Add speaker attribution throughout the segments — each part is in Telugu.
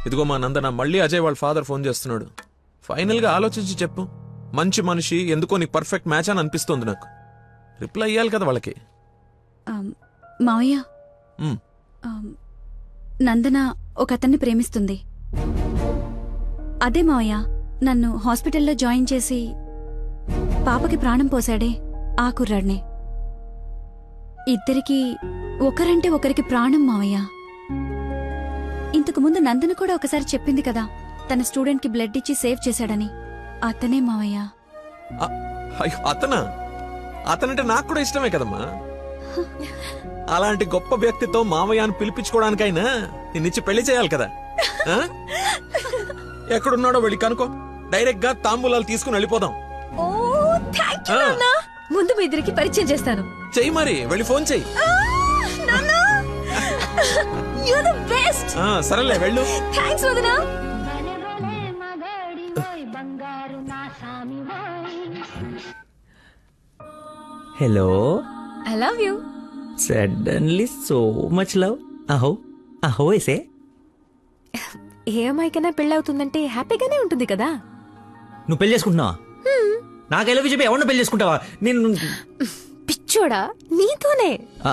Speaker 1: ఇదిగో మా నందన, మళ్ళీ అజయ్ వాళ్ళ ఫాదర్ ఫోన్ చేస్తున్నాడు. ఫైనల్ గా ఆలోచించి చెప్పు. మంచి మనిషి, ఎందుకో నీకు పర్ఫెక్ట్ మ్యాచ్ అని అనిపిస్తుంది నాకు. రిప్లై ఇయ్యాలి కదా వాళ్ళకి.
Speaker 2: మావయ్య,
Speaker 1: ఉమ్,
Speaker 2: నందన ఒక అతన్ని ప్రేమిస్తుంది. అదే మావయ్య, నన్ను హాస్పిటల్లో జాయిన్ చేసి పాపకి ప్రాణం పోశాడే ఆ కుర్రాడినే. ఇద్దరికి ఒకరంటే ఒకరికి ప్రాణం మావయ్య. ఇంతకు ముందు నందన కూడా ఒకసారి చెప్పింది కదా, తన స్టూడెంట్ కి బ్లడ్ ఇచ్చి సేవ్ చేశాడని. అతనే మావయ్య.
Speaker 1: అయ్యో, అతనంటే నాకు కూడా ఇష్టమే కదమ్మా. అలాంటి గొప్ప వ్యక్తితో మామయ్య అని పిలిపించుకోవడానికైనా నిన్నిచ్చి పెళ్లి చేయాలి కదా. ఆ? ఎక్కడున్నాడో వెళ్ళి కనుకో, డైరెక్ట్ గా తాంబూలాలు తీసుకుని వెళ్ళిపోదాం.
Speaker 2: ముందు మీ ఇద్దరికి పరిచయం చేస్తాను.
Speaker 1: చెయ్యి మరి, వెళ్ళి ఫోన్ చెయ్యి. సరేలే వెళ్ళు.
Speaker 2: థాంక్స్ వదినా.
Speaker 3: Hello,
Speaker 2: I love you.
Speaker 3: Suddenly so much love. అహో అహో ఏసే.
Speaker 2: ఏ అమ్మాయికైనా పెళ్ళవుతుందంటే హ్యాపీగానే ఉంటుంది కదా.
Speaker 3: నువ్వు పెళ్లి చేసుకుంటున్నావా? నాకు ఎలా చెప్పి ఎవరిని పెళ్లి చేసుకుంటావా? నేను
Speaker 2: పిచ్చోడా, నీతోనే.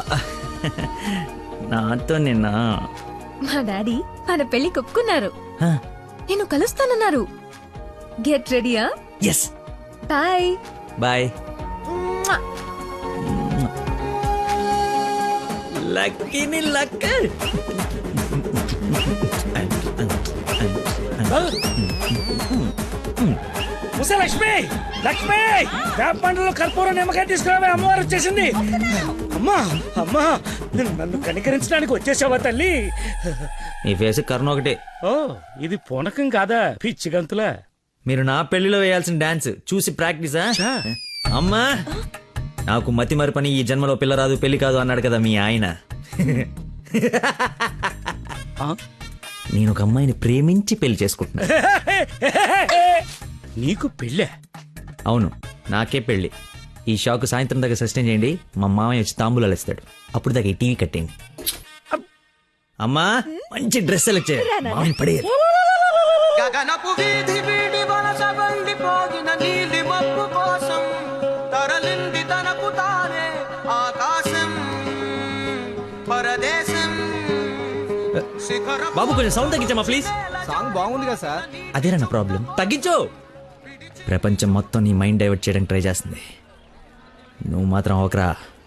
Speaker 3: నాతో నిన్నా
Speaker 2: మా డాడీ మన పెళ్లి ఒప్పుకున్నారు. నేను కలుస్తానన్నారు. గెట్ రెడీయా?
Speaker 3: ఎస్.
Speaker 2: Bye
Speaker 3: bye. లక్కీని లక్క.
Speaker 4: లక్ష్మి, లక్ష్మి, వేప పండ్లలో కర్పూరం నిమ్మకాయ తీసుకురావే, అమ్మవారు వచ్చేసింది. అమ్మా అమ్మా, నన్ను కనికరించడానికి వచ్చేసావా తల్లి?
Speaker 3: నీ ఫేస్ కరుణ ఒకటే.
Speaker 4: ఓ, ఇది పూనకం కాదా, పిచ్చి గంతులా?
Speaker 3: మీరు నా పెళ్లిలో వేయాల్సిన డాన్స్ చూసి ప్రాక్టీసా? అమ్మా, నాకు మతి మరి పని, ఈ జన్మలో పిల్ల రాదు పెళ్లి కాదు అన్నాడు కదా మీ ఆయన. నేను ఒక అమ్మాయిని ప్రేమించి పెళ్లి చేసుకుంటున్నా.
Speaker 4: నీకు పెళ్ళే?
Speaker 3: అవును, నాకే పెళ్లి. ఈ షాక్ సాయంత్రం దాకా సస్టైన్ చేయండి. మా మామయ్య వచ్చి తాంబూలాలు ఇస్తాడు. అప్పుడు దాకా ఈ టీవీ కట్టేయండి. అమ్మా, మంచి డ్రెస్ సెలెక్ట్ చేయాలి. మామయ్య పడేయాలి.
Speaker 5: గగనపు వీధి వీడి వలస వెళ్ళిపోగిన నీలి మబ్బు కోసం తరలింది తనకు తానే ఆకాశం పరదేశం.
Speaker 3: బాబు కొంచెం సౌండ్ తగ్గించమ్మా ప్లీజ్.
Speaker 5: సాంగ్ బాగుంది కదా సార్.
Speaker 3: అదేరా నా ప్రాబ్లం. తగ్గించు. ప్రపంచం మొత్తం నీ మైండ్ డైవర్ట్ చేయడానికి ట్రై చేస్తుంది. నువ్వు మాత్రం ఒకరా.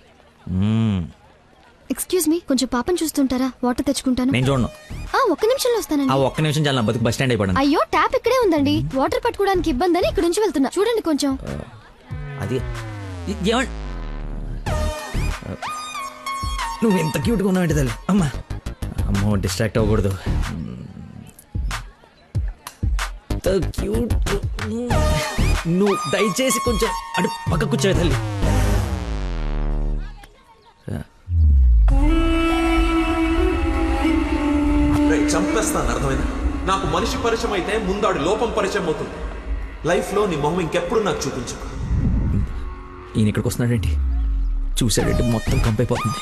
Speaker 6: ఎక్స్క్యూజ్ మీ, కొంచెం పాపం చూస్తుంటారా? వాటర్ తెచ్చుకుంటాను.
Speaker 3: నేను చూడను.
Speaker 6: ఒక్క నిమిషంలో వస్తానండి.
Speaker 3: ఆ ఒక్క నిమిషం చాలా నా బతుకు బస్ స్టాండ్ అయిపోయాను.
Speaker 6: అయ్యో, ట్యాప్ ఇక్కడే ఉందండి. వాటర్ పట్టుకోవడానికి ఇబ్బంది అని ఇక్కడ నుంచి వెళ్తున్నా. చూడండి కొంచెం.
Speaker 3: అది నువ్వు ఎంత క్యూట్గా ఉన్నావు తల్లి. అమ్మా అమ్మో, డిస్ట్రాక్ట్ అవ్వకూడదు. క్యూట్. నువ్వు దయచేసి కొంచెం అటు పక్క కూర్చోవే తల్లి.
Speaker 1: చంపేస్తాను, అర్థమైంది? నాకు మనిషి పరిచయం అయితే ముందాడు లోపం పరిచయం అవుతుంది. లైఫ్ లో నీ మొహం ఇంకెప్పుడు నాకు చూపించు.
Speaker 3: ఈయన ఇక్కడికి వస్తున్నాడేంటి? చూసాడంటే మొత్తం కంపైపోతుంది.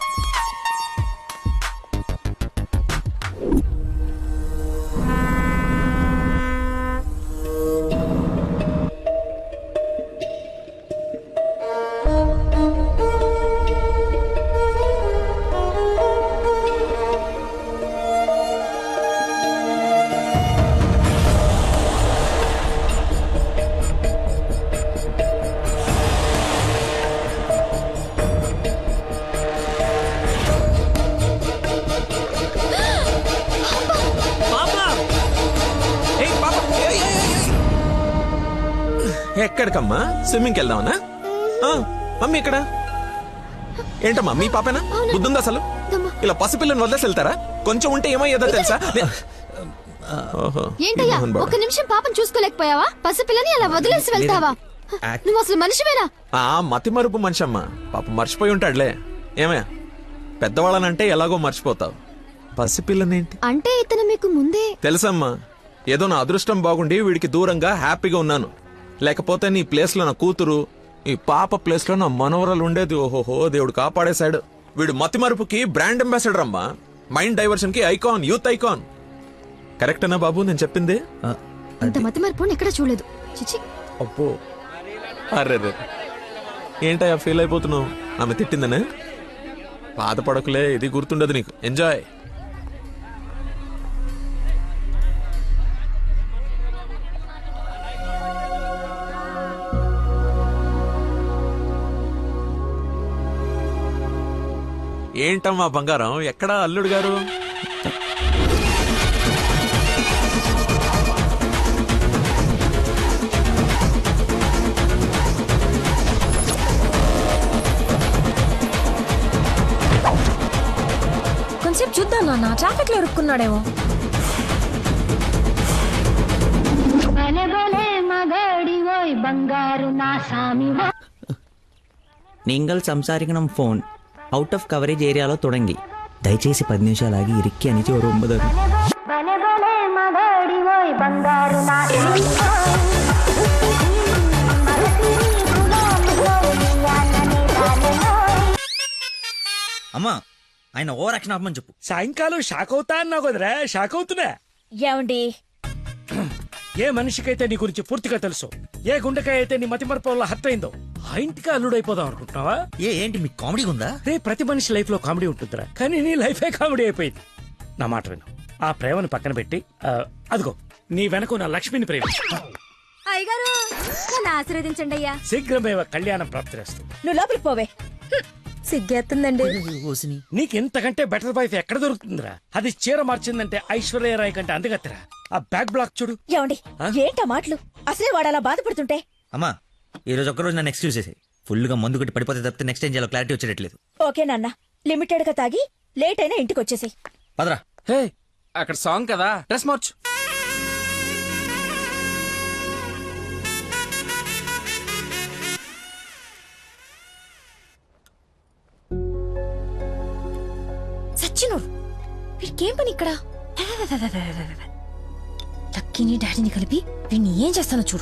Speaker 1: ఎక్కడికమ్మా? స్విమ్మింగ్కి వెళ్దామనా? మమ్మీ ఇక్కడ ఏంటమ్మా? మీ పాపేనా? బుద్ధుందా అసలు? ఇలా పసిపిల్లని వదిలేసి వెళ్తారా? కొంచెం ఉంటే ఏమయ్యేదో తెలుసా?
Speaker 6: ఏంటయ్యా, ఒక్క నిమిషం పాపం చూసుకోలేకపోయావా? పసిపిల్లని అలా వదిలేసి వెళ్తావా? నువ్వు అసలు మనిషివేనా?
Speaker 1: మతి మరుపు మనిషి అమ్మా. పాప మర్చిపోయి ఉంటాడులే. ఏమయ్యా, పెద్దవాళ్ళనంటే ఎలాగో మర్చిపోతావు. పసిపిల్లనేంటి
Speaker 6: అంటే ఇతను మీకు ముందే
Speaker 1: తెలుసమ్మా. ఏదో నా అదృష్టం బాగుండి వీడికి దూరంగా హ్యాపీగా ఉన్నాను. లేకపోతే నీ ప్లేస్ లో నా కూతురు, ఈ పాప ప్లేస్ లో నా మనవరాలు ఉండేది. ఓహోహో, దేవుడు కాపాడేశాడు. వీడు మతిమరుపుకి బ్రాండ్ అంబాసిడర్ అమ్మా. మైండ్ డైవర్షన్ కి ఐకాన్, యూత్ ఐకాన్. కరెక్టేనా బాబు నేను చెప్పింది?
Speaker 3: ఆ,
Speaker 6: ఇంత మతి మరపు ఎక్కడ చూడలేదు చిచి.
Speaker 1: అబ్బో అరే ఏంటయ్యా ఫీల్ అయిపోతున్నావు? ఆమె తిట్టిందనే? బాధపడకులే, ఇది గుర్తుండదు నీకు. ఎంజాయ్. ఏంటమ్మా బంగారం, ఎక్కడా అల్లుడు గారు?
Speaker 7: కొంచెం చూద్దాం నాన్న, ట్రాఫిక్ లో ఇరుక్కున్నాడేమో.
Speaker 3: നിങ്ങൾ സംസാരിക്കണം ഫോൺ ഔട്ട് ഓഫ് കവറേജ് ഏരിയలో തുടങ്ങി దయచేసి 10 నిమిషాలు ఆగి ఇరిక్కి అని ఒక 9. అమ్మా ఆయన ఓవర్ యాక్షన్ ఆపమని చెప్పు.
Speaker 4: సాయంకాలం షాక్ అవుతా అన్నావు కదరా, షాక్ అవుతున్నా.
Speaker 7: ఏమండి
Speaker 4: ఏ మనిషికైతే నీ గురించి పూర్తిగా తెలుసు, ఏ గుండెకాయ అయితే నీ మతిమరపు వల్ల హత్య అయిందో, ఆ ఇంటికి అల్లుడైపోదాం అనుకుంటున్నావా?
Speaker 3: ఏంటి మీకు కామెడీ ఉందా?
Speaker 4: రే, ప్రతి మనిషి లైఫ్ లో కామెడీ ఉంటుందిరా, కానీ నీ లైఫే కామెడీ అయిపోయింది. నా మాట విను, ఆ ప్రేమను పక్కన పెట్టి అదిగో నీ వెనక నా లక్ష్మిని ప్రేమ.
Speaker 7: అయ్యగారు నన్ను ఆశీర్వదించండి అయ్యా.
Speaker 4: శీఘ్రమేవ కళ్యాణం ప్రాప్తిరేస్తూ.
Speaker 7: నువ్వు లోపలికి పోవే. సిగ్గేస్తుందండి.
Speaker 4: నీకు ఇంతకంటే బెటర్ వైఫ్ ఎక్కడ దొరుకుతుందిరా? అది చీర మార్చిందంటే ఐశ్వర్యరాయ్ కంటే అందగత్తరా. ఆ బ్యాక్ బ్లాక్ చూడు.
Speaker 7: ఏమండి ఏంటా మాటలు? అసలే వాడు అలా బాధపడుతుంటే.
Speaker 3: అమ్మా ఈ రోజు ఒక్కరోజు నన్ను ఎక్స్క్యూజ్ చేసి ఫుల్ గా మందు కొట్టి పడిపోతే తప్పితే నెక్స్ట్ ఏం చేయాలో క్లారిటీ వచ్చేటట్లేదు.
Speaker 7: ఓకే నాన్న, లిమిటెడ్ గా తాగి లేట్ అయినా ఇంటికి వచ్చేసి.
Speaker 3: పదరా.
Speaker 5: హే, అక్కడ సాంగ్ కదా, డ్రెస్ మార్చు.
Speaker 7: సచ్చినోడు వీడికేం పని ఇక్కడ? లక్కీని డాడీని కలిపి వీడిని ఏం చేస్తానో చూడు.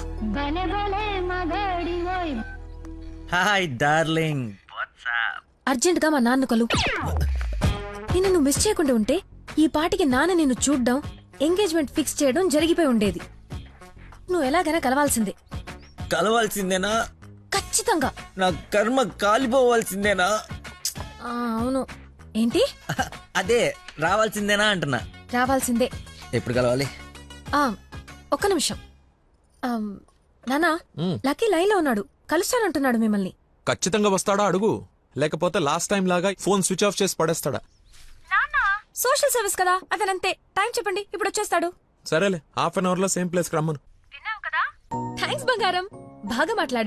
Speaker 3: Hi darling.
Speaker 7: అర్జెంట్ గా మా నాన్న కలు. నిన్ను నువ్వు మిస్ చేయకుండా ఉంటే ఈ పాటికి నాన్న నిన్ను చూడ్డం, ఎంగేజ్మెంట్ ఫిక్స్ చేయడం జరిగిపోయి ఉండేది. నువ్వు ఎలాగైనా కలవాల్సిందే.
Speaker 3: కలవాల్సిందేనా?
Speaker 7: ఖచ్చితంగా.
Speaker 3: నా కర్మ కాలిపోవాల్సిందేనా?
Speaker 7: అవును. ఏంటి?
Speaker 3: అదే రావాల్సిందేనా అంటున్నా.
Speaker 7: రావాల్సిందే.
Speaker 3: ఎప్పుడు కలవాలి?
Speaker 7: ఒక్క నిమిషం. నానా, లక్కీ లైన్ లో ఉన్నాడు, కలుస్తానంటున్నాడు మిమ్మల్ని.
Speaker 1: ఖచ్చితంగా వస్తాడా అడుగు, లేకపోతే లాస్ట్ టైం లాగా ఫోన్ స్విచ్ ఆఫ్ చేసి పడేస్తాడా?
Speaker 7: సోషల్ సర్వీస్ కదా, అతనంతే. టైం చెప్పండి, ఇప్పుడు వచ్చేస్తాడు.
Speaker 1: సరేలే, హాఫ్ అన్ అవర్ లో సేమ్ ప్లేస్ కి రమ్మను.
Speaker 7: థ్యాంక్స్ బంగారం, బాగా మాట్లాడు.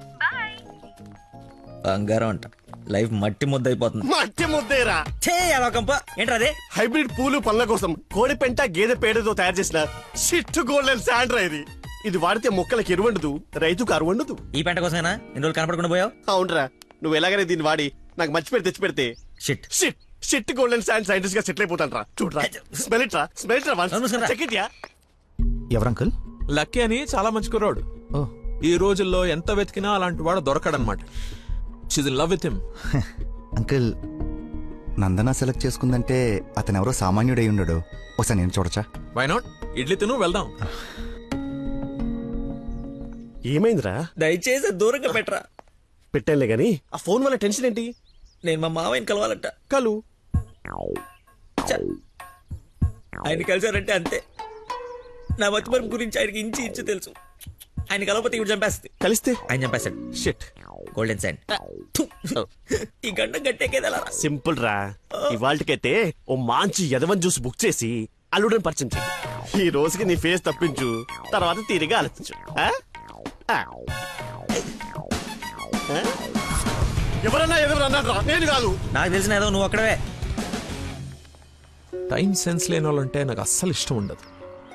Speaker 3: బంగారం అంట, లైఫ్ మట్టి ముద్ద అయిపోతుంది.
Speaker 8: మట్టి ముద్దేరా.
Speaker 3: ఏంట్రా అదే?
Speaker 8: హైబ్రిడ్ పూలు పళ్ళ కోసం కోడి పెంట గేదె పేడతో తయారు చేసిన షిట్ గోల్డెన్ శాండ్రా ఇది. ఇది వాడితే మొక్కలకి ఎరువండదు, రైతుకు అరువండదు.
Speaker 3: ఈ పెంట కోసమేనా ఇన్ని రోజులు కనపడకుండా పోయావు?
Speaker 8: అవునరా, నువ్వు ఎలాగైనా దీన్ని వాడి నాకు మంచి పేరు తెచ్చి పెడితే
Speaker 3: shit
Speaker 8: shit shit golden sand scientist గా సెటిల్ అయిపోతాను రా. చూడరా, స్మెల్ ఇట్ రా, స్మెల్ ఇట్ రా, చెక్ ఇట్ యా.
Speaker 5: ఎవరంకుల్?
Speaker 1: లక్కీ అని చాలా మంచి కుర్రాడు. ఈ రోజుల్లో ఎంత వెతికినా అలాంటి వాడు దొరకడనమాట. She's in love with him.
Speaker 9: Uncle, Nandana select చేసుకుందంటే అతను ఎవరో సామాన్యుడై ఉండడు. ఒకసారి నేను చూడచ్చా?
Speaker 1: Why not? ఇడ్లీ తిను, వెళ్దాం.
Speaker 8: ఏమైందిరా?
Speaker 3: దయచేసి దూరంగా పెట్టరా.
Speaker 8: పెట్టానులే గాని ఆ ఫోన్ వల్ల టెన్షన్ ఏంటి?
Speaker 3: నేను మా మావయ్యని కలవాలంట.
Speaker 8: కలు.
Speaker 3: ఆయన కలిసారంటే అంతే. నా మతిమరుపు గురించి ఆయనకి ఇంచి ఇంచు తెలుసు. ఆయన కలవకపోతే ఇప్పుడు చంపేస్తుంది.
Speaker 8: కలిస్తే
Speaker 3: ఆయన చంపేస్తాడు.
Speaker 8: షిట్.
Speaker 3: Golden sand. ఈ గంట గట్టేకేదలా
Speaker 8: సింపుల్ రా. ఇవాళకైతే ఓ మంచి యదవన్ జ్యూస్ బుక్ చేసి అల్లుడని పరిచయం చెయ్యి. ఈ రోజుకి నీ ఫేస్ తప్పించు, తర్వాత తీరిగా ఆలోచించు. ఎవరన్నా ఎదురన్నారా? నేను కాదు.
Speaker 3: నాకు తెలిసిన ఏదో నువ్వు అక్కడవే.
Speaker 1: టైం సెన్స్ లేని వాళ్ళంటే నాకు అస్సలు ఇష్టం ఉండదు.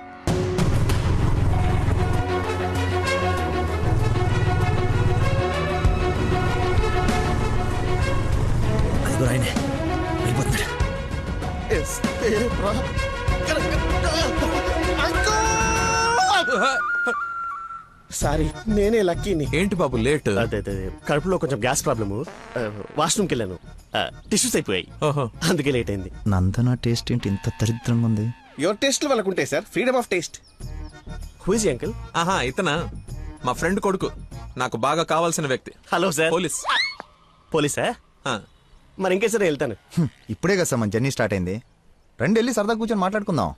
Speaker 8: సారీ, నేనే లక్కీని.
Speaker 1: ఏంటి బాబు లేట్?
Speaker 8: అదే కడుపులో కొంచెం గ్యాస్ ప్రాబ్లము, వాష్రూమ్కి వెళ్ళాను, టిష్యూస్ అయిపోయాయి,
Speaker 1: ఓహో,
Speaker 8: అందుకే లేట్ అయింది.
Speaker 9: నందన టేస్ట్ ఏంటి ఇంత దరిద్రంగా ఉంది?
Speaker 10: యువర్ టేస్ట్ వాళ్ళకు ఉంటాయి sir, freedom of taste.
Speaker 8: Who is uncle?
Speaker 1: ఆహా ఇతనా మా ఫ్రెండ్ కొడుకు, నాకు బాగా కావాల్సిన వ్యక్తి.
Speaker 8: Hello sir.
Speaker 1: పోలీస్.
Speaker 8: పోలీసా?
Speaker 1: ఆ,
Speaker 8: మరి ఇంకే సరే వెళ్తాను.
Speaker 9: ఇప్పుడే కదా సార్ మన జర్నీ స్టార్ట్ అయింది. రండి వెళ్ళి సరదా కూర్చొని మాట్లాడుకుందాం.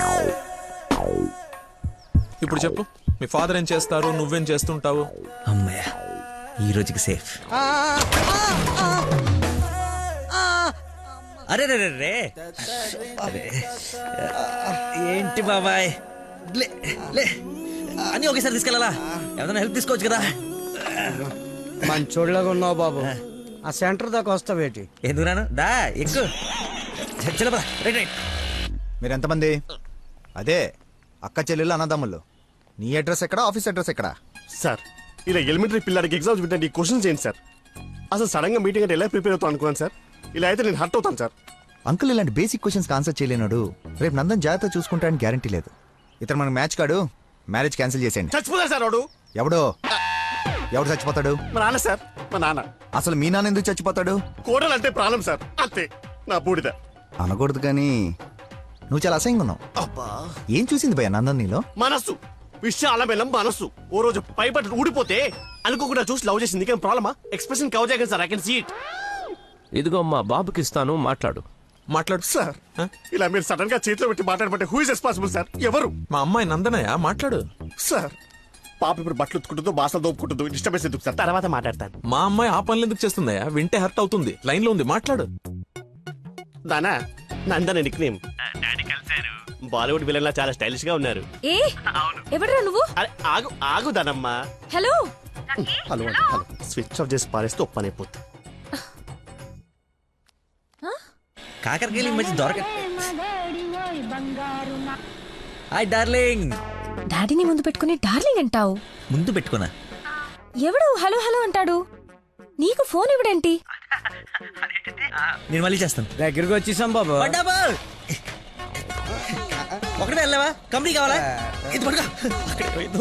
Speaker 1: ఇప్పుడు చెప్పు, మీ ఫాదర్ ఏం చేస్తారు, నువ్వేం చేస్తుంటావు?
Speaker 3: అమ్మయ్య, ఈ రోజుకి సేఫ్. అరే రే రే రే అరే. ఏంటి బాబాయ్, లే లే అన్నీ ఒకేసారి తీసుకెళ్ళాలా? ఏదైనా హెల్ప్ తీసుకోవచ్చు కదా.
Speaker 4: మంచోళ్ళగా ఉన్నావు బాబు. ఆ సెంటర్ దాకా వస్తావేటి?
Speaker 3: ఎందుకు రాను, దా ఎక్కు. చలో రైట్ రైట్.
Speaker 9: మీరు ఎంతమంది? అదే అక్క చెల్లెళ్ళు అన్నదమ్ముళ్ళు. నీ అడ్రస్ ఎక్కడ, ఆఫీస్ అడ్రస్ ఎక్కడ?
Speaker 8: సార్ ఇలా ఎలిమెంటరీ పిల్లలకి ఎగ్జామ్స్ పెట్టండి, క్వశ్చన్స్ ఏంటి సార్? అసలు సడన్ గా మీటింగ్ అంటే ఎలా ప్రిపేర్ అవుతాను అనుకున్నాను సార్. ఇలా అయితే నేను హర్ట్ అవుతాను సార్.
Speaker 9: అంకుల్ ఇలాంటి బేసిక్ క్వశ్చన్స్ ఆన్సర్ చేయలేనాడు. రేపు నందన్ జాగ్రత్త చూసుకుంటాడని గ్యారంటీ లేదు. ఇతను మనకు మ్యాచ్ కాడు, మ్యారేజ్ క్యాన్సిల్ చేసేయండి.
Speaker 8: చచ్చిపోతా సార్ వాడు.
Speaker 9: ఎవడు చచ్చిపోతాడు?
Speaker 8: మా నాన్న సార్, మా నాన్న.
Speaker 9: అసలు మీ నాన్న ఎందుకు చచ్చిపోతాడు?
Speaker 8: కోడలు అంటే ప్రాణం సార్, అంతే. నా బూడిద.
Speaker 9: అనకూడదు కానీ నువ్వు చాలా అసహ్యంగా ఉన్నావు.
Speaker 8: అబ్బా,
Speaker 9: ఏం చూసింది భయ నందన్ నీలో?
Speaker 8: మనస్సు, విషయాల బెల్లం మనస్సు. ఓ రోజు పైపట్టు ఊడిపోతే అనుకోకుండా చూసి లవ్ చేసింది. కానీ ప్రాబ్లమా? ఎక్స్ప్రెషన్ కవర్ చేయగలను sir, I can see it.
Speaker 5: ఇదిగో మా బాబుకి ఇస్తాను, మాట్లాడు.
Speaker 1: మాట్లాడు
Speaker 8: సార్. ఇలా మీరు సడన్ గా చేతిలో పెట్టి మాట్లాడబట్టే హూ ఇస్ రెస్పాన్సిబుల్ సార్? ఎవరు?
Speaker 1: మా అమ్మాయి నందనయ్య, మాట్లాడు.
Speaker 8: సార్ పాప ఇప్పుడు బట్టలు ఉత్తుకుంటుందో, బాసలు దోపుకుంటుందో, డిస్టర్బెన్స్ ఎందుకు సార్? తర్వాత మాట్లాడతాను.
Speaker 1: మా అమ్మాయి ఆ పనులు ఎందుకు చేస్తుందయ్యా? వింటే హర్ట్ అవుతుంది. లైన్ లో ఉంది, మాట్లాడు.
Speaker 8: దానా Nandana nick name. Bollywood villain లా చాలా స్టైలిష్ గా ఉన్నారు.
Speaker 7: ఏ ఎవడరా నువ్వు?
Speaker 8: అరే ఆగు ఆగు దానమ్మా.
Speaker 7: Hello
Speaker 8: hello hello. Switch off చేసి పారేస్తే ఒప్పనైపోతుంది.
Speaker 3: కాకరకాయలు ఈ మధ్య దొరక. Hi darling.
Speaker 7: డాడీని ముందు పెట్టుకుని డార్లింగ్ అంటావు?
Speaker 3: ముందు పెట్టుకున్నా.
Speaker 7: ఎవడు హలో హలో అంటాడు? నీకు ఫోన్ ఇవ్వడేంటి?
Speaker 3: నేను మళ్ళీ చేస్తాను.
Speaker 4: దగ్గరికి వచ్చేసాం బాబు.
Speaker 3: ఒకటే వెళ్ళావా? కంపెనీ కావాలా? ఇది పడుకో. అక్కడికి పోయిందో.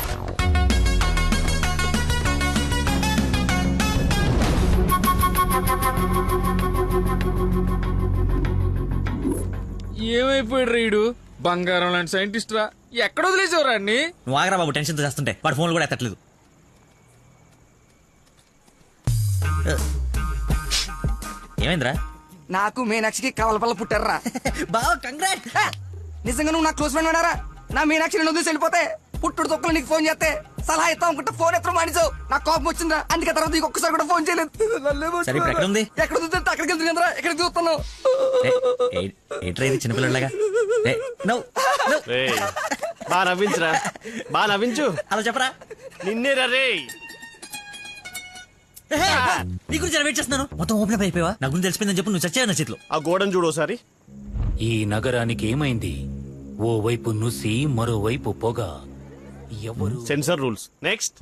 Speaker 5: ఏమైపోయాడు రీడు? బంగారం లాంటి సైంటిస్ట్ రా. ఎక్కడ వదిలేసేవరా అన్ని?
Speaker 3: నువ్వు ఆగరా బాబు, టెన్షన్తో చేస్తుంటే. వాడు ఫోన్లు కూడా ఎత్తట్లేదు. ఏమైందిరా?
Speaker 11: నాకు మీనాక్షికి కవలపల్ల పుట్టారా.
Speaker 3: బావ కంగ్రాట్.
Speaker 11: నిజంగా నువ్వు నా క్లోజ్ ఫ్రెండ్ ఉన్నారా? నా మీనాక్షి నేను వదిలేసి వెళ్ళిపోతే పుట్టుడు తొక్కలు నీకు ఫోన్ చేస్తే సలహా ఇస్తాం అనుకుంటే ఫోన్ ఎత్తడం మానేసావు. నాకు కోపం వచ్చిందా, అందుకే తర్వాత నీకు ఒక్కసారి కూడా ఫోన్ చేయలేదు.
Speaker 3: సరే ఇప్పుడు ఎక్కడ ఉంది?
Speaker 11: ఎక్కడ చూస్తే అక్కడికి వెళ్తుంది కదరా, ఎక్కడికి చూస్తున్నావు?
Speaker 3: ఏంట్రా ఇది చిన్నపిల్లలాగా?
Speaker 8: బా నవ్వించురా, బా నవ్వించు.
Speaker 3: అలా చెప్పరా.
Speaker 8: నిన్నే రే.
Speaker 3: నీ గురించి వెయిట్ చేస్తున్నాను. మొత్తం ఓపెన్ అప్ అయిపోయావా? నా గురించి తెలిసిపోయిందని చెప్పు. నువ్వు చచ్చావు నా చేతిలో.
Speaker 8: ఆ గోడను చూడు ఒకసారి.
Speaker 12: ఈ నగరానికి ఏమైంది? ఓ వైపు నుసి, మరోవైపు పొగ. ఎవరు?
Speaker 8: Sensor rules. నెక్స్ట్.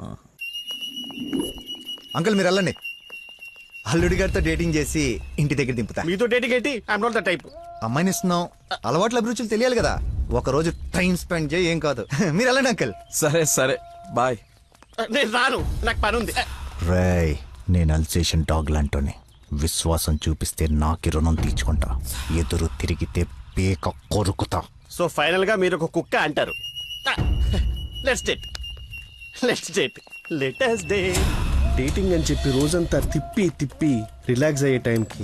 Speaker 9: అంకుల్ మీరు వెళ్ళండి. అల్లుడి గారితో డేటింగ్ చేసి ఇంటి దగ్గర దింపుతా.
Speaker 8: మీతో డేటింగ్ ఏంటి? I'm not the type.
Speaker 9: అమ్మాయిని ఇస్తున్నాం, అలవాట్ల అభిరుచులు తెలియాలి కదా. ఒక రోజు టైం స్పెండ్ చేయి, ఏం కాదు. మీరు వెళ్ళండి అంకుల్.
Speaker 1: సరే సరే బాయ్.
Speaker 8: నేను రాను, నాకు పని ఉంది.
Speaker 9: రేయ్, నేను అల్సేషన్ డాగ్ లాంటోని. విశ్వాసం చూపిస్తే నాకి రుణం తీర్చుకుంటా, ఎదురు తిరిగితే పేక కొరుకుతా.
Speaker 8: సో ఫైనల్ గా మీరు ఒక కుక్క అంటారు. Let's date, let's date, let's date. Dating అని చెప్పి రోజంతా తిప్పి తిప్పి రిలాక్స్ అయ్యే టైంకి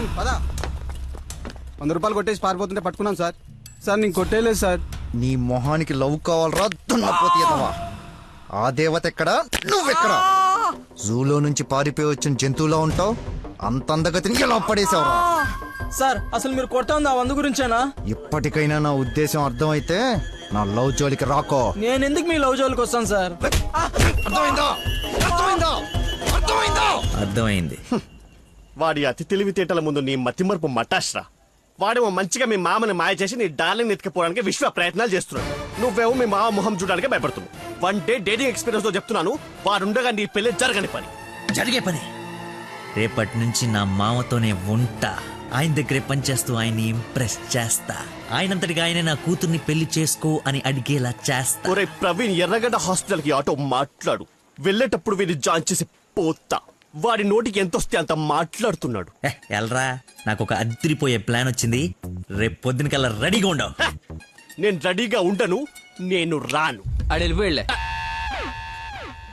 Speaker 11: 100 రూపాయలు కొట్టేసి పారిపోతుంటే పట్టుకున్నాం సార్. సార్ నేను కొట్టేయలేదు సార్.
Speaker 9: నీ మొహానికి లవ్ కావాలరా దున్నపోతీయదవా? ఆ దేవత ఎక్కడా, నువ్వెక్కడా? జూలో నుంచి పారిపోయి వచ్చిన జంతువులా ఉంటావు. అంత అందగతిని ఎలా పడేసావురా?
Speaker 11: సార్ అసలు మీరు కొడతా ఉంది ఆ 100 గురించేనా?
Speaker 9: ఇప్పటికైనా నా ఉద్దేశం అర్థమైతే నా లవ్ జోలికి రాకో.
Speaker 11: నేను ఎందుకు మీ లవ్ జోలికి వస్తాను సార్?
Speaker 9: అర్థమైందా? అర్థమైందా? అర్థమైందా?
Speaker 3: అర్థమైంది.
Speaker 8: వాడి అతి తెలివితేటల ముందు నీ మతిమరుపు మటాష్రా. వాడేమో మంచిగా మీ మామని మాయ చేసి నీ డార్లింగ్ ఎత్తుకుపోవడానికి విశ్వ ప్రయత్నాలు చేస్తున్నాడు. నువ్వేమో మీ మామ మొహం చూడడానికి భయపడుతున్నావు. 1 డే డేటింగ్ ఎక్స్పీరియన్స్ తో చెప్తున్నాను, వాడుండగా నీ పెళ్లి జరగని పని.
Speaker 3: జరిగే పని. రేపటి నుంచి నా మామతోనే ఉంటా. ఆయన దగ్గరే పనిచేస్తూ ఆయన్ని ఇంప్రెస్ చేస్తా. ఆయనంతటిగా ఆయన నా కూతుర్ని పెళ్లి చేసుకో అని అడిగేలా చేస్తా.
Speaker 8: ఒరే ప్రవీణ్, ఎర్రగడ్డ హాస్పిటల్ కి ఆటో మాట్లాడు. వెళ్ళేటప్పుడు వీడిని జాయిన్ చేసి పోతా. వాడి నోటికి ఎంతొస్తే అంత మాట్లాడుతున్నాడు.
Speaker 3: ఎల్రా, నాకు ఒక అదిరిపోయే ప్లాన్ వచ్చింది. రేపు పొద్దునకల్లా రెడీగా ఉండవు.
Speaker 8: నేను రెడీగా ఉండను, నేను రాను.
Speaker 11: ఆడు వెళ్ళిపోయిలే